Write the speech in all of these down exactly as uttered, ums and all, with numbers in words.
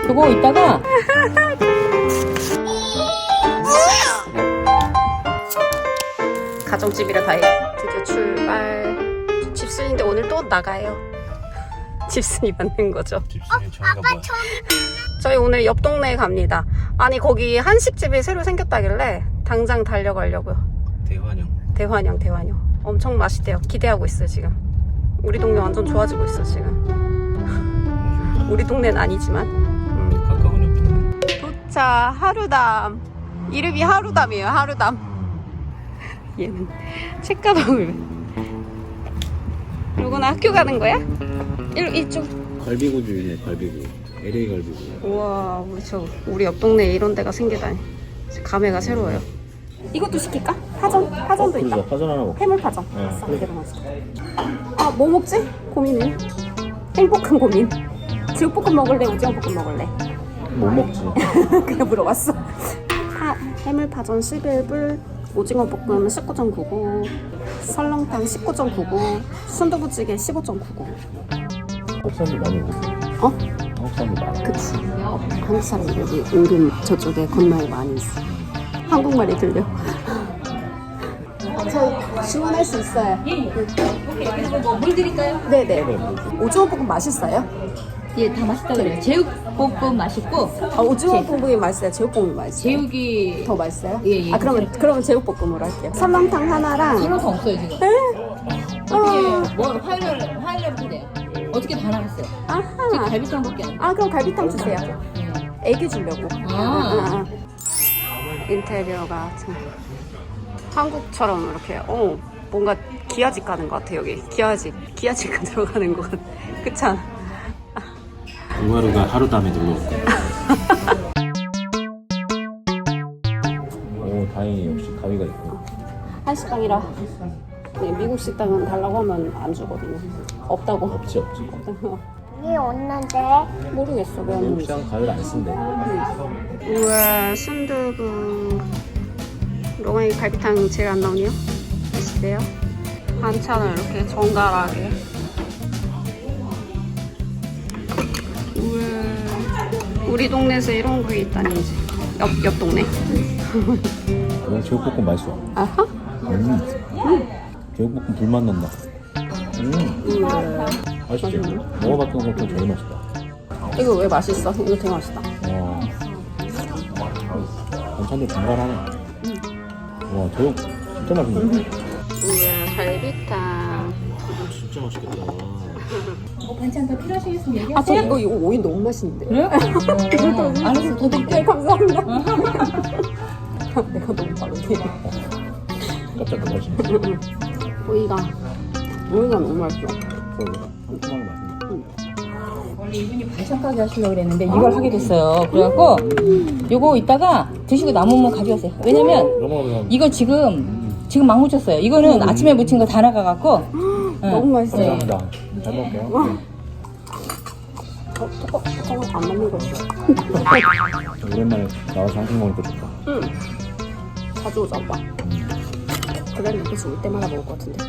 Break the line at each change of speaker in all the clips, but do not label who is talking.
그거 이따가
가정집이라 다행. 드디어 출발. 집순인데 오늘 또 나가요. 집순이 맞는 거죠.
집순이 저희가 뭐야?
저희 오늘 옆 동네에 갑니다. 아니 거기 한식집이 새로 생겼다길래 당장 달려가려고요.
대환영.
대환영 대환영 엄청 맛있대요. 기대하고 있어요 지금. 우리 동네 완전 좋아지고 있어 지금. 우리 동네는 아니지만. 음.
가까운 옆이네.
도착 하루담. 이름이 하루담이에요. 하루담. 얘는 책가방을. 요거는 학교 가는 거야? 일, 이쪽.
갈비구주이네 갈비구. 엘에이 갈비구.
우와 우리 저 우리 옆 동네에 이런 데가 생기다니. 감회가 새로워요. 이것도 시킬까? 파전? 파전도 있다.
그래서 파전 하나 먹자.
해물파전.
네.
아싸, 이대로 먹자. 아, 뭐 먹지? 고민이네. 행복한 고민. 제육볶음 먹을래? 오징어볶음 먹을래?
못 먹지.
그냥 물어봤어. 파, 해물파전 십일 불, 오징어볶음 십구 점 구구, 설렁탕 십구 점 구구, 순두부찌개 십오 점 구구.
한국 사람들 많이 오고.
어?
한국 사람들 많아.
그치. 어, 한국 사람 여기 은근 저쪽에 건너에 많이 있어. 한국말이 들려. 저 주문할 수 있어요.
오케이. 그리고 뭐 물 드릴까요?
네네. 오징어볶음 맛있어요?
예, 다 맛있다 그래요. 제육볶음 맛있고
아, 오징어볶음이 맛있어요? 제육볶음이 맛있어요?
제육이
더 맛있어요?
예, 예.
아 그러면 그러면 제육볶음으로 할게요. 설렁탕 하나랑.
설렁탕 없어요 지금. 어떻게 뭐 화요일 화요일에 돼요? 어떻게 다 나갔어요? 지금
아하.
갈비탕밖에 안 돼.
아 그럼 갈비탕 주세요. 애기 주려고.
아.
아, 아. 인테리어가 참 한국처럼 이렇게 어 뭔가 기아집 가는 것 같아 여기. 기아집 기아집 들어가는 것 같아. 그렇지 않아?
우마루가 하루담에 놀러 올 거야. 오 다행히 역시 가위가 있고.
한식당이라. 네, 미국 식당은 달라고 하면 안 주거든요. 없다고.
없지 없지.
이 없는데
모르겠어 왜
미국
없는지.
시장 가위를 안 쓴대.
우와 순두부. 로마니 갈비탕 제일 안 나오네요. 맛있대요. 반찬을 이렇게 정갈하게. 우와 우리 동네에서 이런 게 있다니 이제. 옆, 옆 동네.
오늘 제육볶음 맛있어.
아하?
음. 제육볶음 불맛 난다. 음.
우와.
맛있지? 먹어봤던 것 중에 제일 맛있다.
이거 왜 맛있어? 이거 되게 맛있다.
와. 반찬도 정갈하네. 와, 제육 진짜 맛있네.
우와 갈비탕.
진짜 맛있겠다.
어, 반찬 더 필요하시겠으면
아, 저
얘기하세요.
이거, 이거 오이 너무 맛있는데.
그래요? 어, 알았어, 더
네,
드릴게요.
감사합니다. 내가 너무 빠르게.
깜짝 놀라시네.
오이가, 오이가 너무 맛있어.
그러게. 상큼하게 맛있네.
원래 이분이 반찬 가게 하시려고 그랬는데 이걸 하게 됐어요. 그래갖고 요거 이따가 드시고 남으면 가져가세요. 왜냐면
넘어가면
이거 지금 지금 막 묻혔어요. 이거는 아침에 묻힌 거 다 나가갖고
너무 맛있어요.
감사합니다. 잘 먹을게요.
어, 저거, 저거 안 맞는 거 있어.
네. 오랜만에 나와서 한식 먹으니까 좋다.
응. 자주 오자, 오빠. 그날 이렇게 올 때마다 먹을 것 같은데.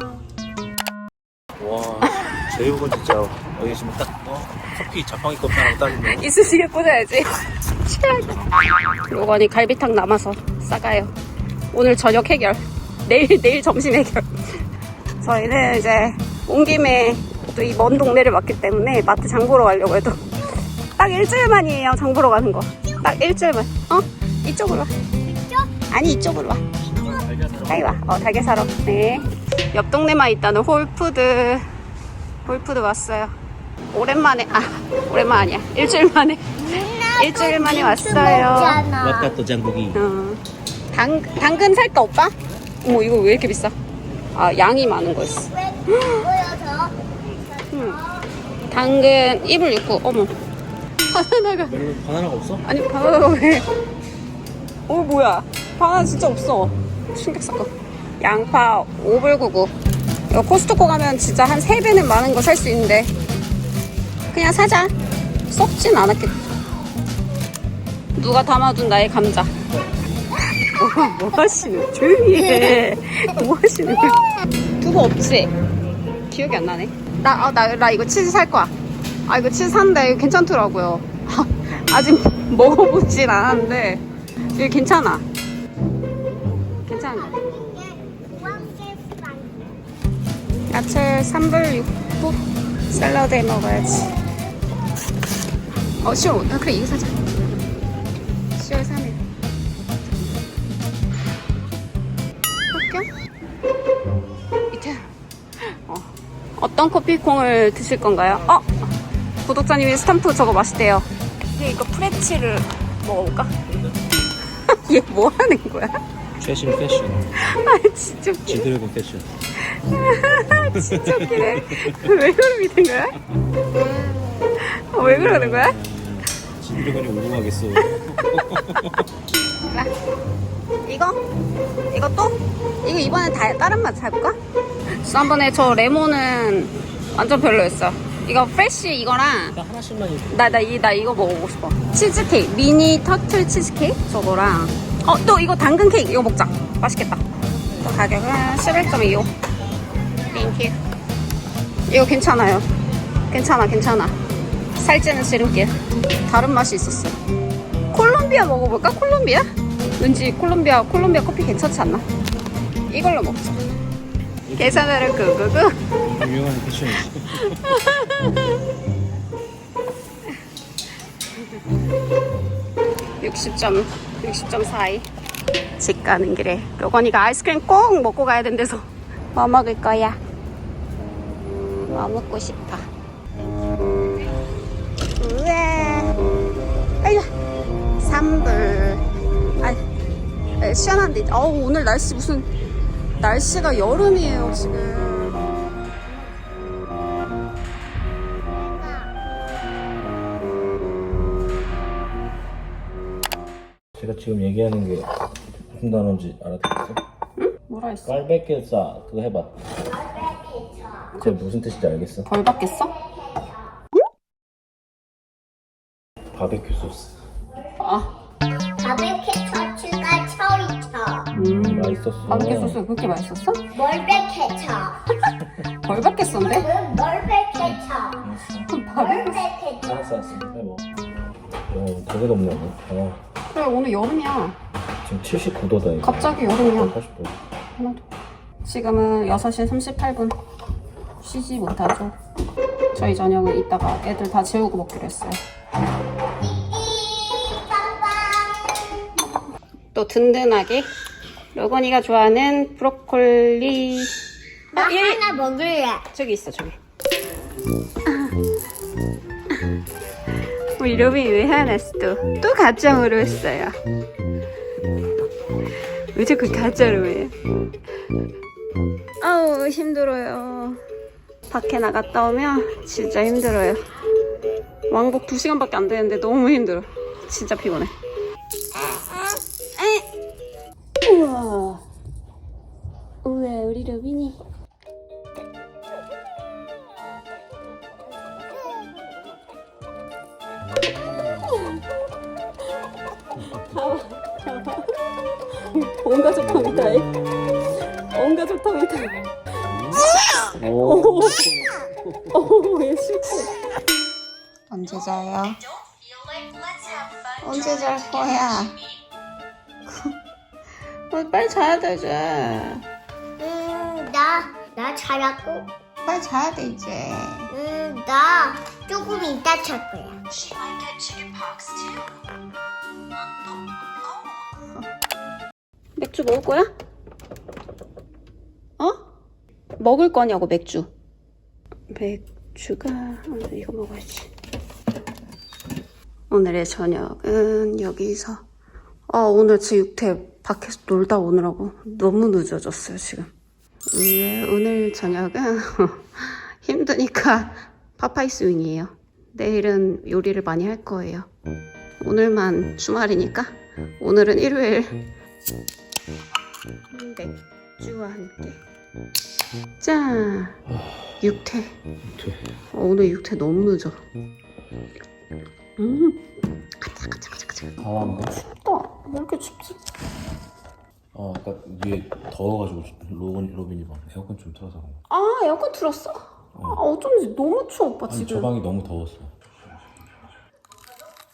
와, 제육은 진짜 여기 지금 딱 어? 커피 자판기 컵 하나 딱인데.
이쑤시개 꽂아야지. 요거니 갈비탕 남아서 싸가요. 오늘 저녁 해결. 내일, 내일 점심 해결. 저희는 이제 온 김에 또 이 먼 동네를 왔기 때문에 마트 장 보러 가려고 해도 딱 일주일 만이에요. 장 보러 가는 거. 딱 일주일만. 어? 이쪽으로 와.
이쪽?
아니 이쪽으로 와. 여기 와. 어, 달걀 사러. 네. 옆 동네만 있다는 홀푸드. 홀푸드 왔어요. 오랜만에, 아, 오랜만 아니야. 일주일 만에. 일주일 만에 왔어요.
왔다 또 장국이.
어. 당, 당근 살까, 오빠? 어머, 이거 왜 이렇게 비싸? 아, 양이 많은 거 있어.
왜 보여줘?
음. 당근 이 불 육 구. 어머. 바나나가.
바나나가 없어?
아니, 바나나가 왜. 어, 뭐야. 바나나 진짜 없어. 충격 사건. 양파 오 불 구구. 이거 코스트코 가면 진짜 한 세 배는 많은 거 살 수 있는데. 그냥 사자. 썩진 않았겠다. 누가 담아둔 나의 감자. 뭐, 뭐 하시는? 조용히 해. 뭐 하시는 거야? 두부 없지? 기억이 안 나네. 나, 아, 나, 나 이거 치즈 살 거야. 아, 이거 치즈 샀는데 이거 괜찮더라고요. 아직 먹어보진 않았는데 이게 괜찮아. 괜찮아. 야채 삼 불 육 부 샐러드에 먹어야지. 어 시월 아, 그래 이거 사자. 시월 삼 일 학교? 밑에 어. 어떤 커피콩을 드실 건가요? 어? 구독자님이 스탬프 저거 맛있대요. 근데 이거 프레치를 먹어볼까? 얘 뭐 하는 거야?
최신 패션.
아 진짜 웃기네.
지드래곤 패션.
진짜 웃기네. 왜 그러는 거야? 어, 왜 그러는 거야?
지드래곤이 오공하겠어.
이거? 이것도? 이거 이번에 다, 다른 맛 사볼까? 지난번에 저 레몬은 완전 별로였어. 이거 프레쉬 이거랑
나 하나씩만 입고.
나, 나, 이, 나 이거 먹어보고 싶어. 치즈케이크 미니 터틀 치즈케이크 저거랑 어 또 이거 당근 케이크 이거 먹자. 맛있겠다. 또 가격은 십일 점 이오. 땡큐. 이거 괜찮아요. 괜찮아 괜찮아. 살찌는 지름길. 다른 맛이 있었어. 콜롬비아 먹어볼까? 콜롬비아? 왠지 콜롬비아 콜롬비아 커피 괜찮지 않나? 이걸로 먹자. 계산으로 구구구.
유명한 패션이지.
육십 점 육십 점 사이. 집 가는 길에 로건이가 아이스크림 꼭 먹고 가야 된대서 뭐 먹을 거야? 뭐 먹고 싶어? 우와 아이고 삼 불. 아 시원한데 어우 오늘 날씨 무슨 날씨가 여름이에요 지금.
제가 지금 얘기하는 게 무슨 단어인지 알아듣겠어?
응? 뭐라 했어?
깔베케사 그거 해봐. 그게 무슨 뜻인지 알겠어?
벌 받겠어?
바베큐 소스.
아
바베큐 처치가 처리쳐.
음, 맛있었어.
바베큐 소스 그렇게 맛있었어?
멀베케쳐.
벌 받겠어인데?
응, 멀베케쳐.
바베큐
멀베케쳐.
알았어, 알았어. 해봐. 어, 되게 덥네. 어,
그래 오늘 여름이야.
지금 칠십구 도다. 이거.
갑자기 여름이야.
팔십 도.
하나도. 지금은 여섯 시 삼십팔 분. 쉬지 못하죠. 저희 저녁은 이따가 애들 다 재우고 먹기로 했어요. 또 든든하게 로건이가 좋아하는 브로콜리.
나
어, 얘
하나 먹을래.
저기 있어 저기. 우리 로빈이 왜 화났어? 또, 또 가짜로 했어요. 왜 자꾸 가짜로 해? 아우 힘들어요. 밖에 나갔다 오면 진짜 힘들어요. 왕복 두 시간밖에 안 되는데 너무 힘들어. 진짜 피곤해. 에. 우와. 우와 우리 로빈이. 온 가족 탐이다. 온 가족 탐이다.
오.
오얘 싫고. 언제 자요? 언제 잘 거야? 어, 빨리 자야 되지.
음, 나, 나 자라고.
빨리 자야 돼 이제.
음, 나 조금 이따 잘 거야.
맥주 먹을 거야? 어? 먹을 거냐고 맥주. 맥주가 오늘 이거 먹어야지. 오늘의 저녁은 여기서. 아 오늘 제 육태 밖에서 놀다 오느라고 너무 늦어졌어요 지금. 네, 오늘 저녁은 힘드니까 파파이스 윙이에요. 내일은 요리를 많이 할 거예요. 오늘만 주말이니까 오늘은 일요일. 맥주와 함께. 짠! 육태. 어, 오늘 육태 너무 늦어. 음. 가자, 가자, 가자, 가자.
강한가?
춥다. 왜 이렇게 춥지?
어, 아까 위에 더워가지고 로빈, 로빈이 막 에어컨 좀 틀어서 그런 거.
아, 에어컨 틀었어? 아, 어쩐지 너무 추워, 오빠
아니,
지금.
저 방이 너무 더웠어.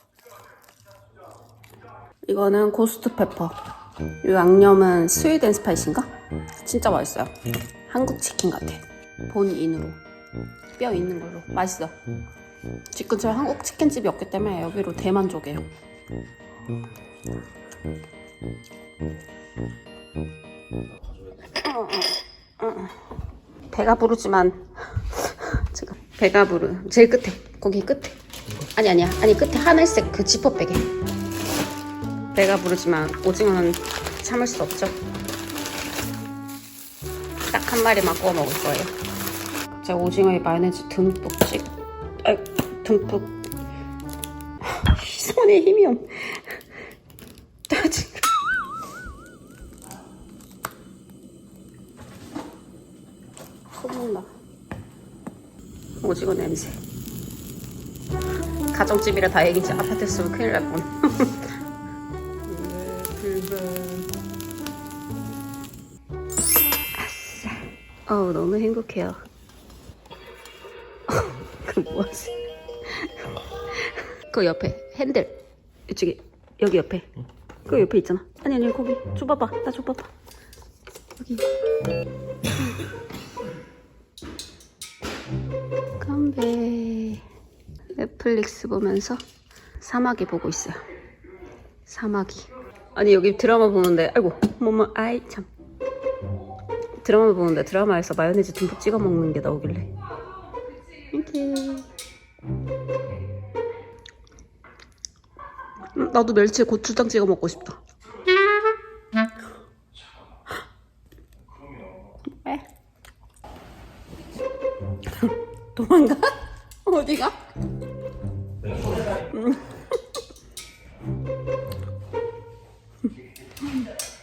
이거는 고스트 페퍼. 이 양념은 스윗 앤 스파이시인가? 진짜 맛있어요. 한국 치킨 같아. 본인으로. 뼈 있는 걸로. 맛있어. 집 근처에 한국 치킨집이 없기 때문에 여기로 대만족이에요. 배가 부르지만 지금 배가 부르 제일 끝에 거기 끝에 아니 아니야 아니 끝에 하늘색 그 지퍼백에 배가 부르지만 오징어는 참을 수 없죠. 딱 한 마리만 구워 먹을 거예요. 제가 오징어에 마요네즈 듬뿍 찍 아이 듬뿍 손에 힘이 없 짜증. 소문나. 오징어 냄새. 가정집이라 다행이지 아파트였으면 큰일 날 뻔. 아싸. 어우 너무 행복해요. 그 뭐하지? 그 옆에 핸들 이쪽에 여기 옆에 그 옆에 있잖아. 아니 아니 거기 줘봐봐. 나 줘봐봐. 여기. 건배. 넷플릭스 보면서 사마귀 보고 있어요. 사마귀. 아니 여기 드라마 보는데 아이고 뭐뭐 아이 참 드라마 보는데 드라마에서 마요네즈 듬뿍 찍어 먹는 게 나오길래 이렇게 음, 나도 멸치에 고추장 찍어 먹고 싶다. 왜? 도망가? 어디가? 음.